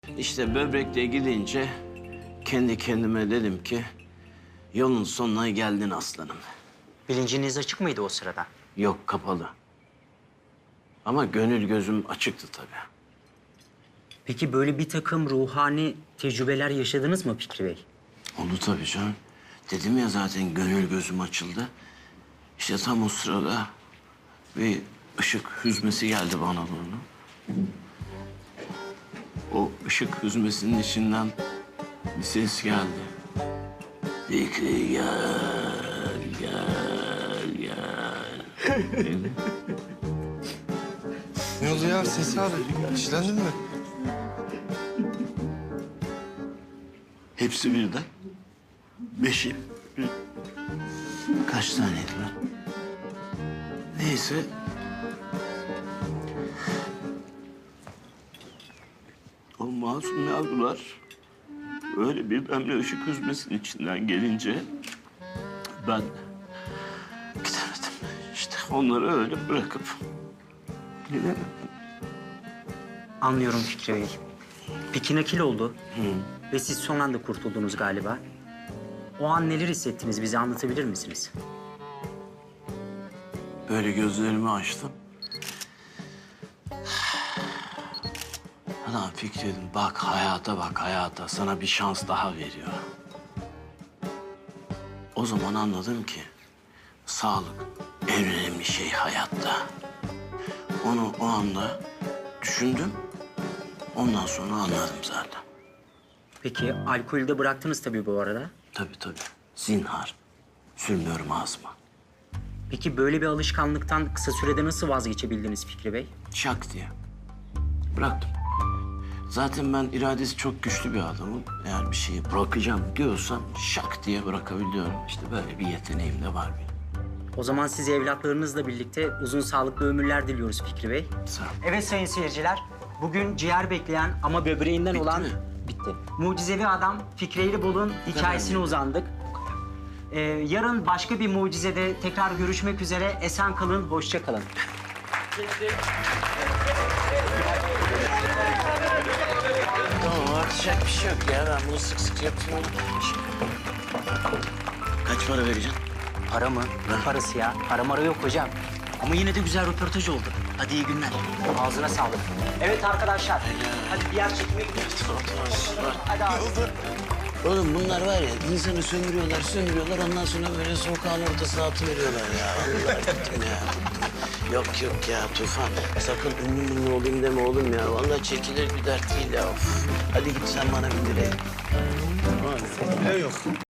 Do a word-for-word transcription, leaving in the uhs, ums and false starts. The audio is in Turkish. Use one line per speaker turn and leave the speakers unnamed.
İşte böbrekle gidince kendi kendime dedim ki yolun sonuna geldin aslanım.
Bilinciniz açık mıydı o sırada?
Yok, kapalı. Ama gönül gözüm açıktı tabii.
Peki böyle bir takım ruhani tecrübeler yaşadınız mı Fikri Bey?
Oldu tabii canım. Dedim ya zaten gönül gözüm açıldı. İşte tam o sırada bir ışık hüzmesi geldi bana doğru. O ışık hüzmesinin içinden bir ses geldi. Fikri gel, gel, gel. Dedi.
Ne oldu ya Sesi abi? İşlendin mi?
Hepsi birden. Beşi. Bir... Kaç taneydi lan? Neyse. O masum yavrular öyle birdenbire ışık hüzmesinin içinden gelince ben gidemedim. İşte onları öyle bırakıp gidemedim.
Anlıyorum Fikri Bey. Peki nakil oldu ve siz son anda kurtuldunuz galiba. O an neler hissettiniz, bize anlatabilir misiniz?
Böyle gözlerimi açtım. Ana Fikri dedim, bak hayata bak hayata. Sana bir şans daha veriyor. O zaman anladım ki sağlık en önemli şey hayatta. Onu o anda düşündüm. Ondan sonra anladım zaten.
Peki alkolü de bıraktınız tabii bu arada.
Tabii tabii. Zinhar. Sürmüyorum ağzıma.
Peki böyle bir alışkanlıktan kısa sürede nasıl vazgeçebildiniz Fikri Bey?
Şak diye. Bıraktım. Zaten ben iradesi çok güçlü bir adamım. Eğer bir şeyi bırakacağım diyorsam şak diye bırakabiliyorum. İşte böyle bir yeteneğim de var benim.
O zaman size evlatlarınızla birlikte uzun sağlıklı ömürler diliyoruz Fikri Bey.
Sağ ol.
Evet sayın seyirciler, bugün ciğer bekleyen ama böbreğinden
Bitti
olan...
mi?
Bitti. Mucizevi adam Fikri Eylibul'un hikayesine
mi?
uzandık. Ee, yarın başka bir mucizede tekrar görüşmek üzere. Esen kalın, hoşça kalın.
Tamam, artacak bir şey yok ya. Ben bunu sık sık yapıyorum. Kaç para vereceksin?
Para mı? Ne parası ya? Para mara yok hocam. Ama yine de güzel röportaj oldu. Hadi iyi günler. Ağzına sağlık. Evet arkadaşlar, hadi bir yer çekime gidiyoruz. Hadi abi.
Oğlum bunlar var ya, insanı sömürüyorlar, sömürüyorlar. Ondan sonra böyle sokağın ortasına atıveriyorlar ya. Allah gittim ya. Yok yok ya Tufan. Sakın ünlü ünlü olayım deme oğlum ya. Vallahi çekilir bir dert değil ya. Of. Hadi git sen bana bir direğe.
Ne yok?